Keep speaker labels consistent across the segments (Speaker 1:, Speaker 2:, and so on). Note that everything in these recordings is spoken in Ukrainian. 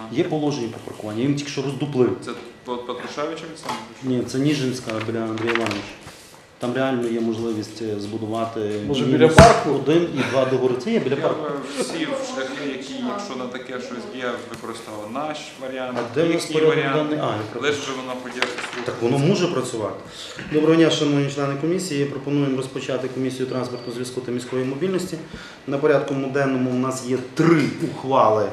Speaker 1: Є положення по паркуванню, їм тільки що роздуплив.
Speaker 2: Це Петрушевича Олександр?
Speaker 1: Ні, це Ніжинська біля Андрія Івановича. Там реально є можливість збудувати
Speaker 3: може біля парку?
Speaker 1: 1 і 2 договори. Це є біля
Speaker 2: Я
Speaker 1: парку.
Speaker 2: би всі шляхи, які, якщо на таке щось є, використовували наш варіант,
Speaker 1: А де в нас
Speaker 2: їхній
Speaker 1: порядок
Speaker 2: варіант,
Speaker 1: денний?
Speaker 2: лише би воно подіяти.
Speaker 1: Так воно може працювати. Доброго дня, шановні члени комісії. Пропонуємо розпочати комісію транспорту, зв'язку та міської мобільності. На порядку денному у нас є 3 ухвали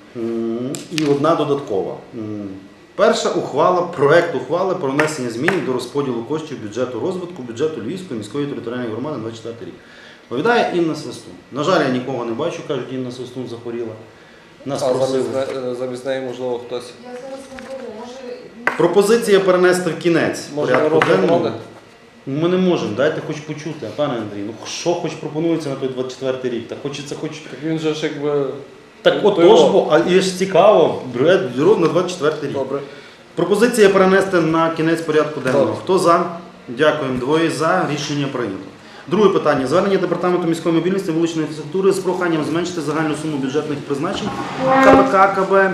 Speaker 1: і 1 додаткова. Перша ухвала, проект ухвали про внесення змін до розподілу коштів бюджету розвитку, бюджету Львівської міської територіальної громади на 24 рік. Відповідає Інна Свистун. На жаль, я нікого не бачу, кажуть, Інна Свистун захворіла. Нас просили.
Speaker 3: Замість неї, можливо, хтось.
Speaker 4: Я зараз наберу, може...
Speaker 1: Пропозиція перенести в кінець
Speaker 3: Може,
Speaker 1: порядку денного.
Speaker 3: робити?
Speaker 1: Ми не можемо, дайте хоч почути, пане Андрій. Ну що хоч пропонується на той 24 рік? Так хочеться хоч.
Speaker 3: Так він же ж якби...
Speaker 1: Так от
Speaker 3: то його.
Speaker 1: тож, бо, а і ж цікаво, бюро на 24 рік.
Speaker 3: Добре.
Speaker 1: Пропозиція перенести на кінець порядку денного.
Speaker 3: Добре.
Speaker 1: Хто за? Дякуємо. 2 за. Рішення прийнято. Друге питання. Звернення Департаменту міської мобільності та вуличної інфраструктури з проханням зменшити загальну суму бюджетних призначень КПК КБ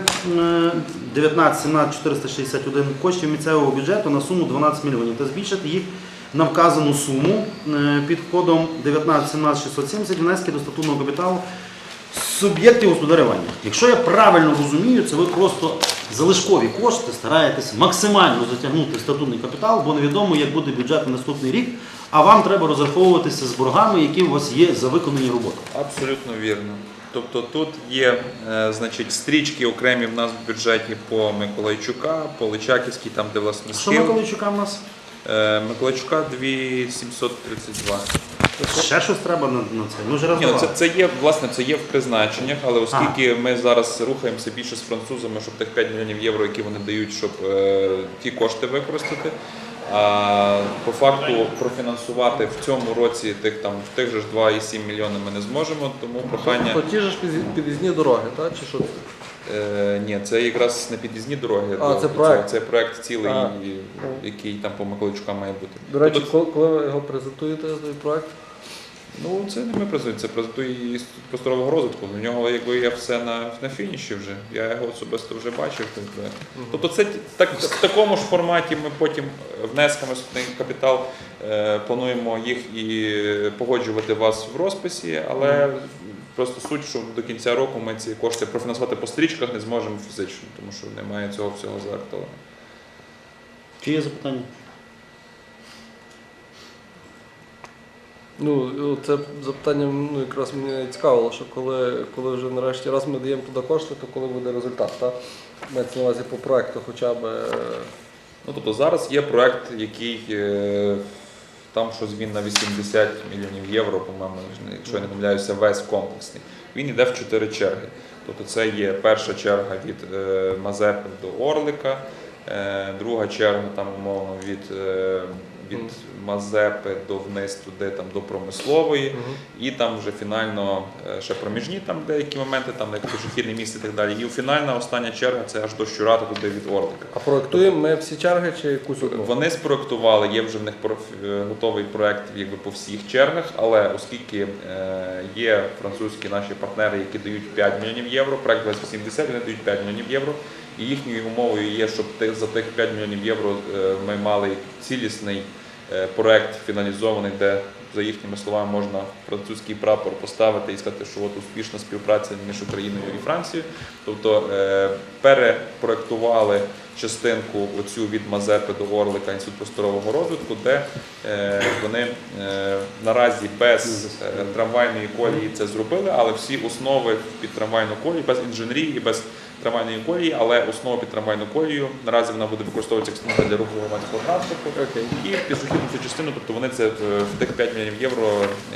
Speaker 1: 19 17 461 коштів місцевого бюджету на суму 12 мільйонів та збільшити їх на вказану суму під кодом 19 17 670 внески до статутного капіталу суб'єктів господарювання. Якщо я правильно розумію, це ви просто залишкові кошти стараєтесь максимально затягнути в статутний капітал, бо невідомо, як буде бюджет на наступний рік, а вам треба розраховуватися з боргами, які у вас є за виконані роботи.
Speaker 2: Абсолютно вірно. Тобто тут є значить, стрічки окремі в нас в бюджеті по Миколайчука, по Личаківській, там де власне
Speaker 1: Що
Speaker 2: схил.
Speaker 1: Миколайчука в нас?
Speaker 2: Миколайчука 2732.
Speaker 1: Ще щось треба на це? Ми вже
Speaker 2: Ні, ну,
Speaker 1: роздавали.
Speaker 2: це є, власне, це є в призначеннях, але оскільки ми зараз рухаємося більше з французами, щоб тих 5 мільйонів євро, які вони дають, щоб ті кошти використати, а по факту профінансувати в цьому році тих же ж 2,7 мільйони ми не зможемо, тому прохання...
Speaker 3: То ті ж під'їзні дороги, так? Чи що?
Speaker 2: Ні, це якраз не під'їзні дороги.
Speaker 3: Це проект?
Speaker 2: Це проект цілий, який там по Миколайчука має бути.
Speaker 3: До речі, коли ви його презентуєте, той проект?
Speaker 2: Ну, це не ми презентуємо, це презентує і просторового розвитку. У нього якби є все на фініші вже. Я його особисто вже бачив. Тобто це в такому ж форматі ми потім внесками в капітал плануємо їх і погоджувати вас в розписі, але просто суть, що до кінця року ми ці кошти профінансувати по стрічках не зможемо фізично, тому що немає цього всього зартового.
Speaker 1: Чи є запитання?
Speaker 3: Ну, це запитання якраз мене цікавило, що коли вже нарешті раз ми даємо туди кошти, то коли буде результат, так? Мається на увазі по проекту хоча б...
Speaker 2: Ну, тобто зараз є проект, який там щось він на 80 мільйонів євро, по-моєму, якщо я не помиляюся, весь комплексний. Він йде в 4 черги. Тобто це є перша черга від Мазепи до Орлика, друга черга там, умовно, від Мазепи до вниз туди, там, до Промислової, і там вже фінально ще проміжні там деякі моменти, там як пішохідне місце і так далі. І фінальна остання черга це аж до Щурата туди від Орлика.
Speaker 3: А проектуємо ми всі черги чи якусь одну?
Speaker 2: Вони спроектували, є вже в них готовий проект якби по всіх чергах, але оскільки є французькі наші партнери, які дають 5 мільйонів євро, проект 2080, вони дають 5 мільйонів євро, і їхньою умовою є, щоб за тих 5 мільйонів євро ми мали цілісний проект фіналізований, де, за їхніми словами, можна французький прапор поставити і сказати, що от успішна співпраця між Україною і Францією. Тобто перепроектували частинку оцю від Мазепи до Орлика Інститут просторового розвитку, де вони наразі без трамвайної колії це зробили, але всі основи під трамвайну колію, без інженерії і без трамвайної колії, але основа під трамвайну колію, наразі вона буде використовуватися як смуга для руху громадського транспорту. І в пішохідну цю частину, тобто вони це в тих 5 мільйонів євро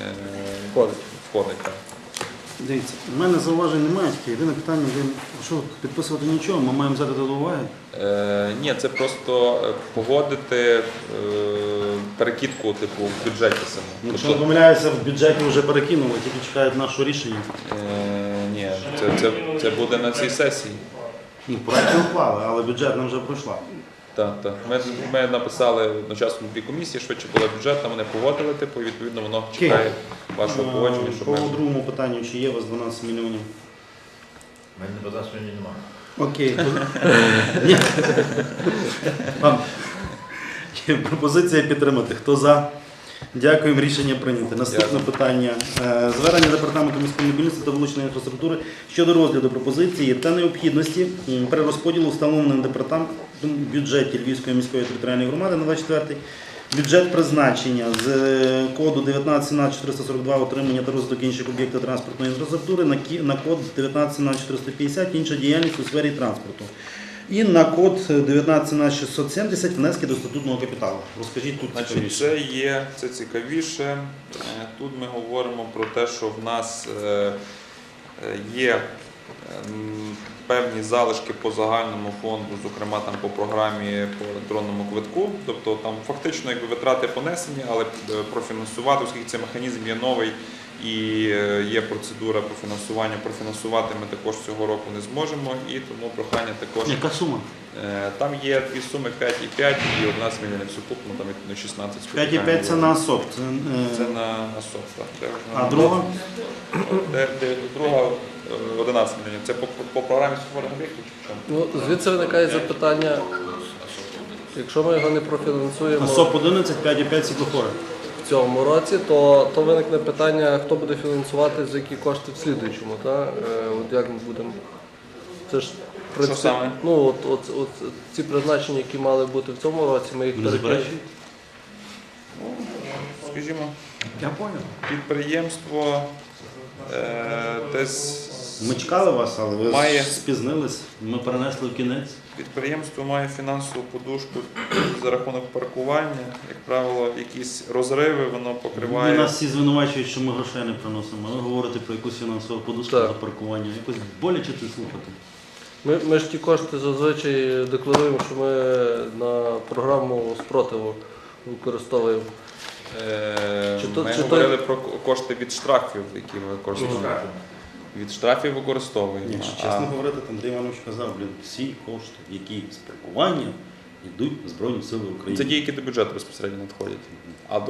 Speaker 2: входить.
Speaker 1: Дивіться, у мене зауважень немає, тільки єдине питання, що підписувати нічого, ми маємо взяти до уваги.
Speaker 2: Ні, це просто погодити перекидку типу в бюджеті самому.
Speaker 1: Якщо не помиляюся, в бюджеті вже перекинули, тільки чекають нашого рішення.
Speaker 2: Ні, це буде на цій сесії.
Speaker 1: Ні, проект не вклали, але бюджетна вже пройшла.
Speaker 2: Так. Ми написали одночасно дві комісії, швидше була бюджетна, вони погодили, типу, і відповідно воно чекає вашого погодження.
Speaker 1: По другому питанню, чи є у вас 12 мільйонів?
Speaker 5: У мене 12 мільйонів немає.
Speaker 1: Окей. Ні. Вам є пропозиція підтримати. Хто за? Дякуємо, рішення прийнято. Наступне питання. Звернення Департаменту міської мобільності та вуличної інфраструктури щодо розгляду пропозиції та необхідності перерозподілу встановленим департаментом бюджеті Львівської міської територіальної громади на 24-й. Бюджет призначення з коду 19-442 отримання та розвиток інших об'єктів транспортної інфраструктури на код 19-450 інша діяльність у сфері транспорту. І на код 19-670 внески до статутного капіталу. Розкажіть тут
Speaker 2: Значить,
Speaker 1: цікавіше.
Speaker 2: це цікавіше. Тут ми говоримо про те, що в нас є певні залишки по загальному фонду, зокрема там по програмі по електронному квитку. Тобто там фактично якби витрати понесені, але профінансувати, оскільки цей механізм є новий і є процедура по фінансуванню, профінансувати ми також цього року не зможемо, і тому прохання також.
Speaker 1: Яка сума?
Speaker 2: Там є дві суми 5,5 і одна змінена сукупно, там відповідно 16.
Speaker 1: 5,5 це на СОП.
Speaker 2: Це на СОП, так.
Speaker 1: А друга?
Speaker 2: Друга 11 мільйонів. Це по програмі створення об'єктів чи в чому?
Speaker 3: Ну, звідси виникає запитання, якщо ми його не профінансуємо
Speaker 1: На СОП 11, 5,5 світлофори.
Speaker 3: в цьому році, то виникне питання, хто буде фінансувати, за які кошти в слідуючому. От як ми будемо. Це ж, в принципі,
Speaker 2: Що саме?
Speaker 3: ну, от ці призначення, які мали бути в цьому році, ми їх
Speaker 1: Не
Speaker 3: перекинемо.
Speaker 1: заперечуєте?
Speaker 2: Скажімо,
Speaker 1: Я понял.
Speaker 2: підприємство десь
Speaker 1: Ми чекали вас, але ви
Speaker 2: Має.
Speaker 1: спізнились. Ми перенесли в кінець.
Speaker 2: підприємство має фінансову подушку за рахунок паркування. Як правило, якісь розриви воно
Speaker 1: Ви
Speaker 2: покриває.
Speaker 1: нас всі звинувачують, що ми грошей не приносимо. А ви говорите про якусь фінансову подушку
Speaker 3: Так.
Speaker 1: за паркування. Якось боляче це слухати.
Speaker 3: Ми ж ті кошти зазвичай декларуємо, що ми на програму спротиву використовуємо.
Speaker 2: Ми
Speaker 3: чи
Speaker 2: говорили про кошти від штрафів, які ми використовуємо. Від штрафів використовуємо.
Speaker 1: Якщо чесно говорити, там Андрій Іванович казав, всі кошти, які з паркування, йдуть в Збройні Сили України.
Speaker 2: Це ті, які до бюджету безпосередньо надходять. А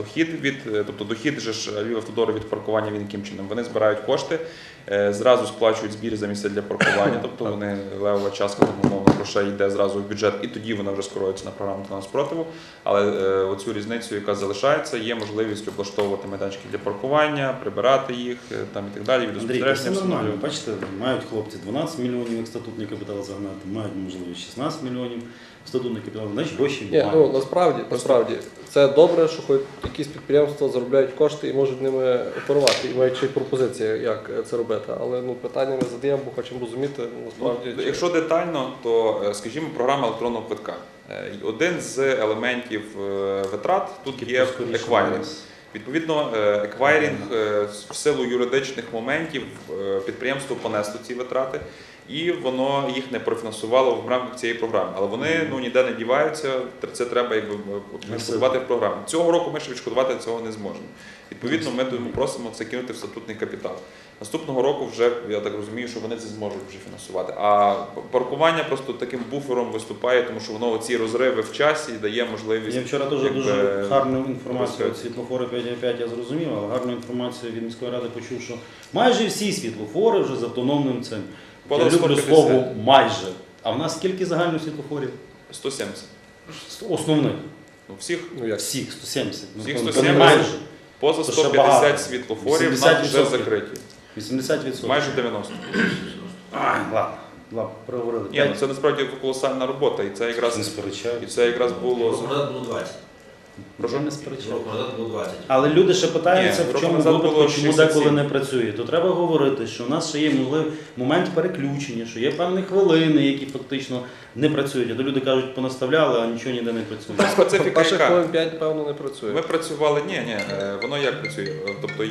Speaker 2: дохід же ж Львівавтодору від паркування він яким чином? Вони збирають кошти, зразу сплачують збір за місце для паркування, тобто вони левова частка умовно грошей йде зразу в бюджет, і тоді вона вже скерується на програму спротиву. Але оцю різницю, яка залишається, є можливість облаштовувати майданчики для паркування, прибирати їх там і так далі.
Speaker 1: Андрій, це
Speaker 2: Відеоспостереження
Speaker 1: все нормально.
Speaker 2: встановлювати.
Speaker 1: Бачите, мають хлопці 12 мільйонів як статутний капітал загнати, мають можливість 16 мільйонів статутний капітал, значить гроші
Speaker 3: Ні,
Speaker 1: мають.
Speaker 3: ну насправді це добре, що хоч якісь підприємства заробляють кошти і можуть ними оперувати, і мають ще й пропозиції, як це робити. Але питання ми задаємо, бо хочемо розуміти, насправді.
Speaker 2: Ну, якщо детально, то, скажімо, програма електронного квитка. Один з елементів витрат тут є еквайринг. Відповідно, еквайринг в силу юридичних моментів підприємство понесло ці витрати, і воно їх не профінансувало в рамках цієї програми. Але вони ніде не діваються, це треба відшкодувати в програму. Цього року ми ще відшкодувати цього не зможемо. Відповідно, ми тому просимо це кинути в статутний капітал. Наступного року вже, я так розумію, що вони це зможуть вже фінансувати. А паркування просто таким буфером виступає, тому що воно ці розриви в часі дає можливість.
Speaker 1: Я вчора теж дуже гарну інформацію від світлофори 5,5 я зрозумів, але гарну інформацію від міської ради почув, що майже всі світлофори вже з автономним цим. Я
Speaker 2: Понад
Speaker 1: люблю
Speaker 2: 150.
Speaker 1: слово майже. А в нас скільки загально світлофорів?
Speaker 2: 170.
Speaker 1: Основних.
Speaker 2: Ну, всіх,
Speaker 1: Всіх 170.
Speaker 2: Всіх
Speaker 1: то не
Speaker 2: 170.
Speaker 1: майже.
Speaker 2: поза
Speaker 1: То ще багато.
Speaker 2: 150 світлофорів в нас вже
Speaker 1: 80%.
Speaker 2: закриті.
Speaker 1: 80%.
Speaker 2: Майже 90.
Speaker 1: Ай, ладно, проговорили.
Speaker 2: Ні, ну це насправді колосальна робота, і це
Speaker 1: Не
Speaker 2: якраз
Speaker 1: сперечаю.
Speaker 2: було.
Speaker 5: Рок назад було 20.
Speaker 1: Вже не сперечаю.
Speaker 5: Рок назад було 20.
Speaker 1: Але люди ще питаються,
Speaker 2: Ні,
Speaker 1: в чому
Speaker 2: року назад
Speaker 1: випадку,
Speaker 2: було
Speaker 1: чому
Speaker 2: 67.
Speaker 1: деколи не працює. То треба говорити, що у нас ще є момент переключення, що є певні хвилини, які фактично не працюють. А то люди кажуть, понаставляли, а нічого ніде не працює.
Speaker 2: Специфіка
Speaker 3: Перших
Speaker 2: яка?
Speaker 3: хвилин 5, певно, не працює.
Speaker 2: Ми працювали, воно як працює? Тобто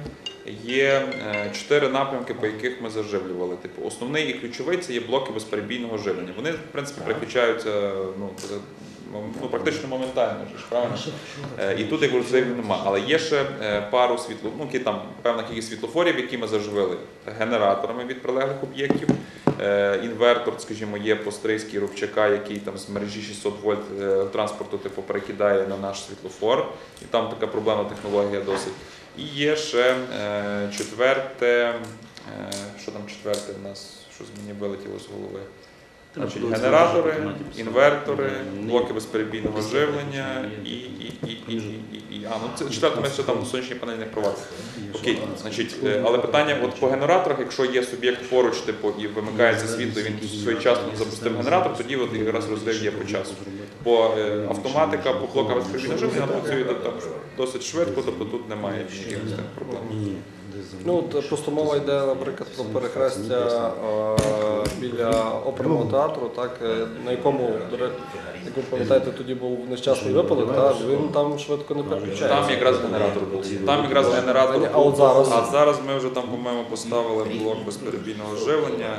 Speaker 2: є 4 напрямки, по яких ми заживлювали. Типу, основний і ключовий це є блоки безперебійного живлення. Вони, в принципі, переключаються практично моментально, ж, правильно? І тут як розривів нема. Але є ще пару певна кількість світлофорів, які ми заживили генераторами від прилеглих об'єктів. Інвертор, скажімо, є по Стрийській Рубчака, який там з мережі 600 вольт транспорту перекидає на наш світлофор. І там така проблемна технологія досить. І є ще четверте, що там четверте в нас, що з мені вилетіло з голови. Значить, генератори, інвертори, блоки безперебійного живлення це четверте, ми ще там сонячні панелі не впровадили. Окей, значить, але питання от по генераторах, якщо є суб'єкт поруч, типу, і вимикається світло, він своєчасно запустив генератор, тоді от якраз розрив є по часу. Бо автоматика по блокам безперебійного живлення працює там досить швидко, тобто тут немає ніяких проблем.
Speaker 3: Ну, от просто мова йде, наприклад, про перехрестя біля оперного театру, так, на якому, як ви пам'ятаєте, тоді був нещасний випадок, так, він там швидко не переключається.
Speaker 2: Там якраз генератор був. Там якраз генератор
Speaker 3: А от зараз?
Speaker 2: А зараз ми вже там, по-моєму, поставили блок безперебійного живлення.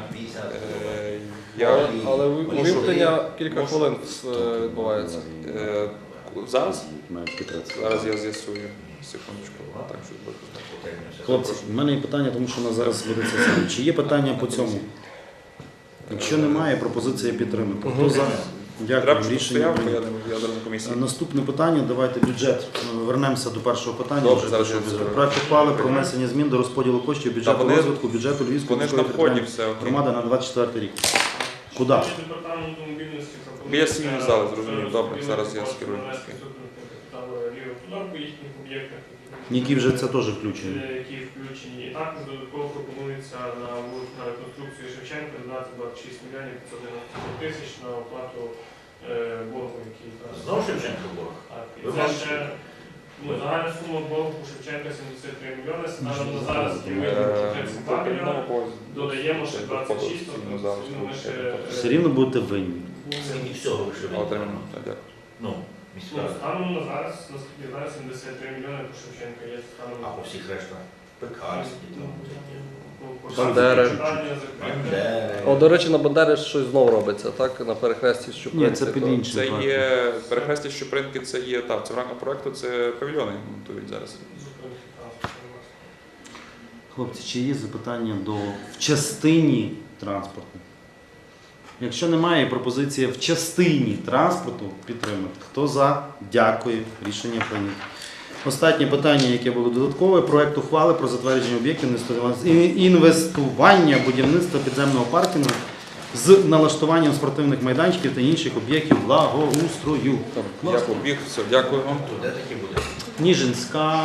Speaker 3: Але вимкнення кілька хвилин відбувається.
Speaker 2: Зараз? Зараз я з'ясую. Секундочку. Так, що
Speaker 1: Хлопці, в мене є питання, тому що у нас зараз буде це саме. Чи є питання по цьому? Якщо немає, пропозиція підтримати. Хто за?
Speaker 2: треба,
Speaker 1: Дякую.
Speaker 2: щоб
Speaker 1: Рішення
Speaker 2: стояв,
Speaker 1: прийнято.
Speaker 2: я зараз на комісії.
Speaker 1: Наступне питання, давайте бюджет. Вернемося до першого питання.
Speaker 2: Добре,
Speaker 1: Вже
Speaker 2: зараз
Speaker 1: першого
Speaker 2: я
Speaker 1: бюджету.
Speaker 2: це-
Speaker 1: Проект ухвали про внесення змін до розподілу коштів бюджету
Speaker 2: вони-
Speaker 1: розвитку бюджету Львівської
Speaker 2: Вони ж на
Speaker 1: міської
Speaker 2: вході
Speaker 1: територіальної
Speaker 2: все, окей.
Speaker 1: громади на 24 рік. Куди?
Speaker 5: Департаменту мобільності
Speaker 2: Біля сім'ї зали, зрозумів. Добре, зараз я скерую.
Speaker 5: По їхніх об'єктах,
Speaker 1: Які вже це теж включені.
Speaker 5: які включені. І також додатково пропонується на реконструкцію Шевченка додати 26 мільйонів 590 тисяч на оплату боргу, який там.
Speaker 6: Знову Шевченко борг?
Speaker 5: Так, і
Speaker 6: Ви
Speaker 5: це
Speaker 6: бачите?
Speaker 5: ще загальна сума боргу у Шевченка 73 мільйони, станом на зараз є 32 мільйони, додаємо ще 26, тобто ми ще...
Speaker 1: Все рівно будете винні.
Speaker 6: Скільки всього ви ще
Speaker 2: Отримано. Так, дякую.
Speaker 6: Ну, міська.
Speaker 5: Станом на зараз, наскільки я знаю, 73 мільйони по Шевченка є станом
Speaker 6: А по всіх решта? Пекарські,
Speaker 3: Бандери.
Speaker 6: Бандери.
Speaker 3: О, до речі, на Бандері щось знову робиться, так, на перехресті Щупинці.
Speaker 1: Ні, це під іншим.
Speaker 2: Це
Speaker 1: проектом.
Speaker 2: є перехрестя Щупринки, це є так, це в рамках проекту, це павільйони монтують зараз.
Speaker 1: Хлопці, чи є запитання в частині транспорту? Якщо немає, пропозиція в частині транспорту підтримати. Хто за? Дякую. Рішення прийнято. Останнє питання, яке було додаткове, проект ухвали про затвердження об'єктів інвестування будівництва підземного паркінгу з налаштуванням спортивних майданчиків та інших об'єктів благоустрою.
Speaker 2: Я побіг, все, дякую вам.
Speaker 6: То де такі буде?
Speaker 1: Ніжинська.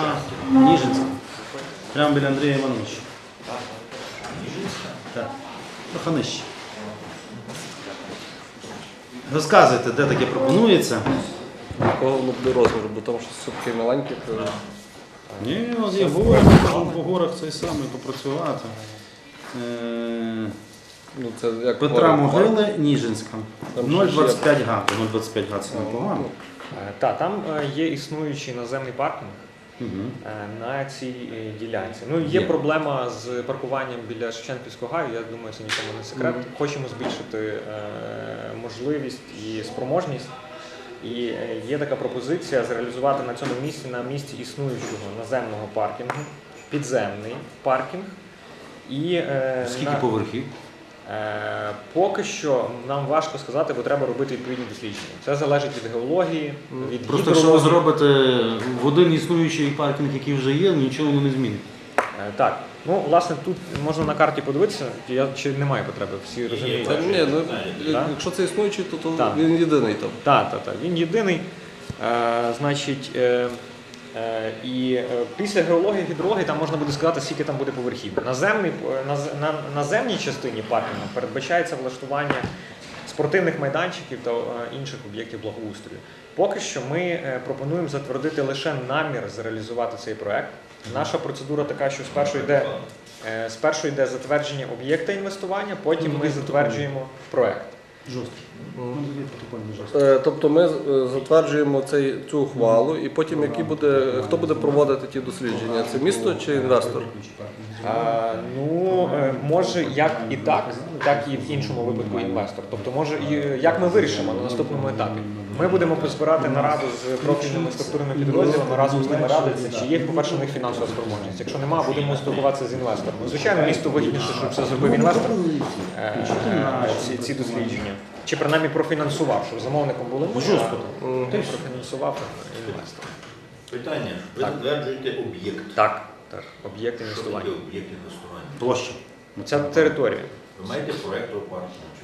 Speaker 1: Прямо біля Андрія Івановича. Так. Трохи нижче. Розказуйте, де таке пропонується.
Speaker 3: Якого воно буде розміру, бо там щось все-таки маленьке.
Speaker 1: Ні, от є гори, можемо по горах цей самий попрацювати.
Speaker 3: Ну, це як
Speaker 1: Петра
Speaker 3: гори,
Speaker 1: Могили, Ніжинська.
Speaker 3: Там
Speaker 1: 0,25 га. 0,25 га це непогано.
Speaker 7: Так, там є існуючий наземний паркінг
Speaker 1: Мгм.
Speaker 7: на цій ділянці. Ну, є
Speaker 1: Є.
Speaker 7: проблема з паркуванням біля Шевченківського гаю, я думаю, це нікому не секрет. Хочемо збільшити можливість і спроможність. І є така пропозиція зреалізувати на цьому місці, на місці існуючого наземного паркінгу, підземний паркінг. І,
Speaker 1: Скільки поверхів?
Speaker 7: Поки що нам важко сказати, бо треба робити відповідні дослідження. Це залежить від геології, від
Speaker 1: Просто якщо ви
Speaker 7: гідрології.
Speaker 1: зробите в один існуючий паркінг, який вже є, нічого воно не змінить.
Speaker 7: Так, ну власне тут можна на карті подивитися, чи немає потреби, всі розуміють.
Speaker 3: Та ні, ну,
Speaker 7: Так?
Speaker 3: якщо це існуючий, то
Speaker 7: Так.
Speaker 3: він єдиний там.
Speaker 7: Так, він єдиний. Значить, після геології, гідрології там можна буде сказати, скільки там буде поверхів. На наземній частині паркінгу передбачається влаштування спортивних майданчиків та інших об'єктів благоустрою. Поки що ми пропонуємо затвердити лише намір зреалізувати цей проект. Наша процедура така, що спершу йде затвердження об'єкта інвестування, потім ми затверджуємо проект.
Speaker 1: Жорстко.
Speaker 3: Тобто ми затверджуємо цю ухвалу, і потім хто буде проводити ті дослідження? Це місто чи інвестор?
Speaker 7: Може як і так, так і в іншому випадку інвестор. Тобто, може, як ми вирішимо на наступному етапі. Ми будемо позбирати нараду з профільними структурними підрозділами, разом з ними радитися, чи є, по-перше, у них фінансова спроможність. Якщо немає, будемо спілкуватися з інвестором. Звичайно, місту вигідніше, щоб це зробив інвестор, ці дослідження. Чи принаймні профінансував, щоб замовником були ми, а профінансував інвестор.
Speaker 6: Питання. Ви затверджуєте об'єкт.
Speaker 7: Так, об'єкт
Speaker 6: Що
Speaker 7: інвестування.
Speaker 6: таке об'єкт інвестування?
Speaker 1: Площа.
Speaker 7: Ця територія.
Speaker 6: Ви маєте проєкту паркінгу чи що?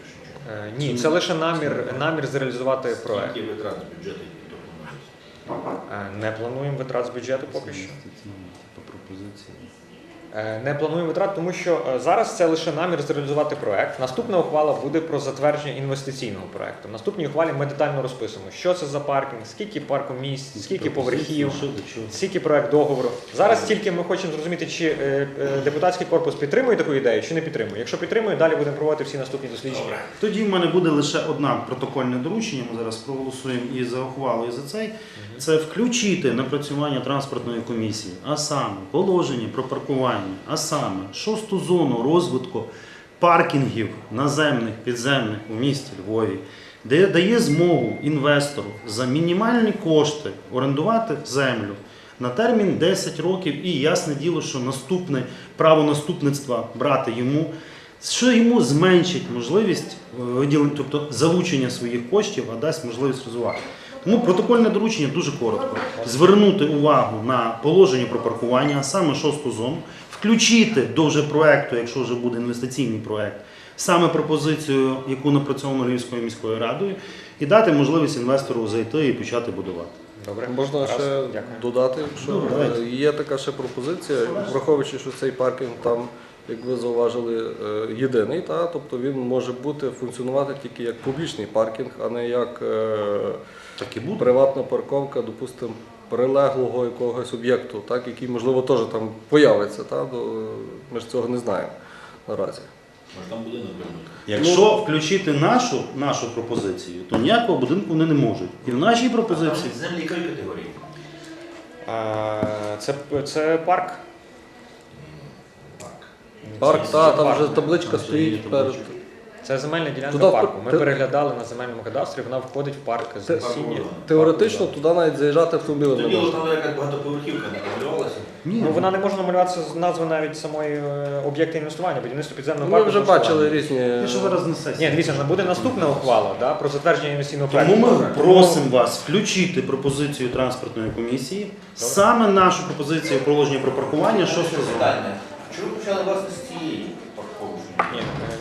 Speaker 7: Ні, це лише намір зреалізувати проект.
Speaker 6: Скільки витрат з бюджету які планується?
Speaker 7: Не плануємо витрат з бюджету поки що.
Speaker 1: По пропозиції.
Speaker 7: Не плануємо витрат, тому що зараз це лише намір зреалізувати проект. Наступна ухвала буде про затвердження інвестиційного проекту. В наступній ухвалі ми детально розписуємо, що це за паркінг, скільки паркомісць, скільки поверхів,
Speaker 1: Що до чого?
Speaker 7: скільки проект договору. Зараз тільки ми хочемо зрозуміти, чи депутатський корпус підтримує таку ідею, чи не підтримує. Якщо підтримує, далі будемо проводити всі наступні дослідження.
Speaker 1: Тоді в мене буде лише одне протокольне доручення, ми зараз проголосуємо і за ухвалу, і за цей. Це включити напрацювання транспортної комісії, а саме положення про паркування, а саме 6-ту зону розвитку паркінгів наземних, підземних у місті Львові, де дає змогу інвестору за мінімальні кошти орендувати землю на термін 10 років і ясне діло, що наступне право наступництва брати йому, що йому зменшить можливість виділення, тобто залучення своїх коштів, а дасть можливість розвивати. Тому протокольне доручення дуже коротко. Звернути увагу на положення про паркування, а саме 6-ту зону, включити до вже проекту, якщо вже буде інвестиційний проект, саме пропозицію, яку напрацьовано Львівською міською радою, і дати можливість інвестору зайти і почати будувати.
Speaker 7: Добре,
Speaker 3: Можна
Speaker 7: Раз,
Speaker 3: ще
Speaker 7: дякую.
Speaker 3: додати, що
Speaker 1: Ну, давайте.
Speaker 3: є така ще пропозиція, враховуючи, що цей паркінг там, як ви зауважили, єдиний, тобто він може бути функціонувати тільки як публічний паркінг, а не як
Speaker 1: Так і буде.
Speaker 3: приватна парковка, допустимо, прилеглого якогось об'єкту, який, можливо, теж там появиться. Ми ж цього не знаємо наразі.
Speaker 6: Може там будинок вернути?
Speaker 1: Якщо включити нашу пропозицію, то ніякого будинку вони не можуть. І в нашій пропозиції
Speaker 6: Там землі якої категорії?
Speaker 7: Це парк.
Speaker 3: Парк, там
Speaker 7: парк.
Speaker 3: вже табличка
Speaker 1: Там
Speaker 3: стоїть
Speaker 1: є
Speaker 3: перед.
Speaker 1: табличка.
Speaker 7: Це земельна ділянка
Speaker 3: Туди
Speaker 7: парку. Ми
Speaker 3: ти-
Speaker 7: переглядали на земельному кадастрі, вона входить в парк з насіння.
Speaker 3: Теоретично туди навіть заїжджати автомобілем не
Speaker 6: Тоді
Speaker 3: можна.
Speaker 6: там якась багатоповерхівка не намалювалася.
Speaker 1: Ні,
Speaker 7: Ну, вона не може намалюватися з назви навіть самої об'єкта інвестування, будівництво підземного
Speaker 3: Ми
Speaker 7: парку.
Speaker 3: вже
Speaker 7: облаштування.
Speaker 3: бачили різні.
Speaker 1: я ще зараз на сесії.
Speaker 7: Ні, дивіться, буде наступна ухвала про затвердження інвестиційного
Speaker 1: Тому
Speaker 7: проекту.
Speaker 1: ми просимо вас включити пропозицію транспортної комісії, саме нашу пропозицію положення про паркування, 6-ту зону.
Speaker 6: Питання. Чому ви почали власне з цієї парковки?
Speaker 7: Ні,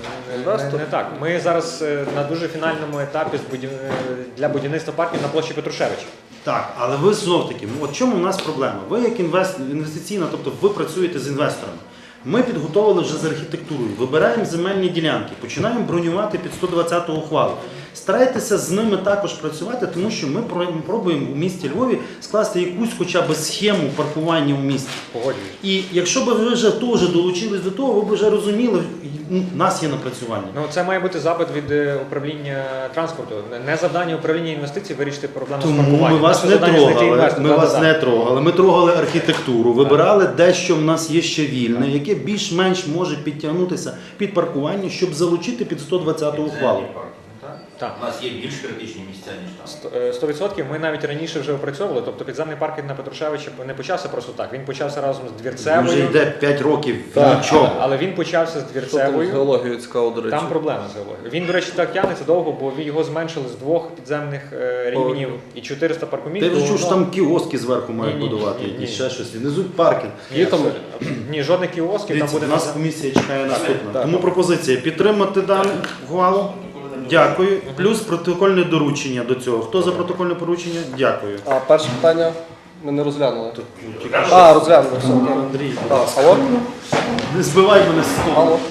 Speaker 7: не так. Ми зараз на дуже фінальному етапі для будівництва парків на площі Петрушевича.
Speaker 1: Так, але ви знов таки, от чому у нас проблема? Ви як інвестиційна, тобто ви працюєте з інвесторами. Ми підготовили вже з архітектурою, вибираємо земельні ділянки, починаємо бронювати під 120-ту ухвалу. Старайтеся з ними також працювати, тому що ми пробуємо у місті Львові скласти якусь хоча б схему паркування у місті.
Speaker 7: Погоджуюсь.
Speaker 1: І якщо б ви вже теж долучились до того, ви б вже розуміли, у нас є напрацювання.
Speaker 7: Ну, це має бути запит від управління транспорту. Не завдання управління інвестицій вирішити проблему з
Speaker 1: Тому
Speaker 7: паркуванням.
Speaker 1: ми вас
Speaker 7: Наше
Speaker 1: не
Speaker 7: завдання знайти
Speaker 1: трогали.
Speaker 7: інвестора.
Speaker 1: Ми вас
Speaker 7: Да-да-да.
Speaker 1: не трогали. Ми трогали архітектуру, вибирали де, що в нас є ще вільне, яке більш-менш може підтягнутися під паркування, щоб залучити під 120-ту ухвалу.
Speaker 6: Підземні парки, так?
Speaker 7: Так.
Speaker 6: У нас є більш критичні місця, ніж там.
Speaker 7: 100%. Ми навіть раніше вже опрацьовували. Тобто підземний паркінг на Петрушевича не почався просто так. Він почався разом з
Speaker 1: Він вже
Speaker 7: Двірцевою.
Speaker 1: йде 5 років
Speaker 3: Так.
Speaker 1: нічого.
Speaker 7: Але він почався з
Speaker 3: Що там з
Speaker 7: Двірцевою.
Speaker 3: геологією цікаво, до речі.
Speaker 7: Там проблема з геологією. Він, до речі, так тягнеться довго, бо його зменшили з 2 підземних рівнів і 400 паркомісць.
Speaker 1: Ти вже чув, що там кіоски зверху мають
Speaker 7: Ні-ні-ні,
Speaker 1: будувати,
Speaker 7: ні-ні.
Speaker 1: і ще щось. Внизу паркінг.
Speaker 7: Ні,
Speaker 3: там-
Speaker 7: ні, жодних кіосків, там
Speaker 1: Дивіться,
Speaker 7: буде
Speaker 1: у нас
Speaker 7: підзем-
Speaker 1: комісія чекає наступне.
Speaker 3: Так.
Speaker 1: Тому пропозиція підтримати дану ухвалу. Дякую. Плюс протокольне доручення до цього. Хто за протокольне поручення? Дякую.
Speaker 3: А перше питання ми не розглянули.
Speaker 1: Тільки
Speaker 3: Розглянули. Все. окей.
Speaker 1: Андрій,
Speaker 3: Так, алло?
Speaker 1: не збивай мене з того.
Speaker 3: Алло.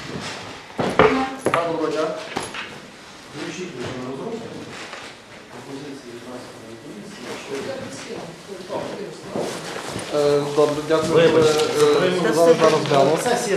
Speaker 1: Доброго дня. Включіть вже на розробку. Пропозиції транспортної комісії.
Speaker 3: Добре, дякую.
Speaker 1: Вибачте,
Speaker 3: Зараз розгляну.
Speaker 1: Сесія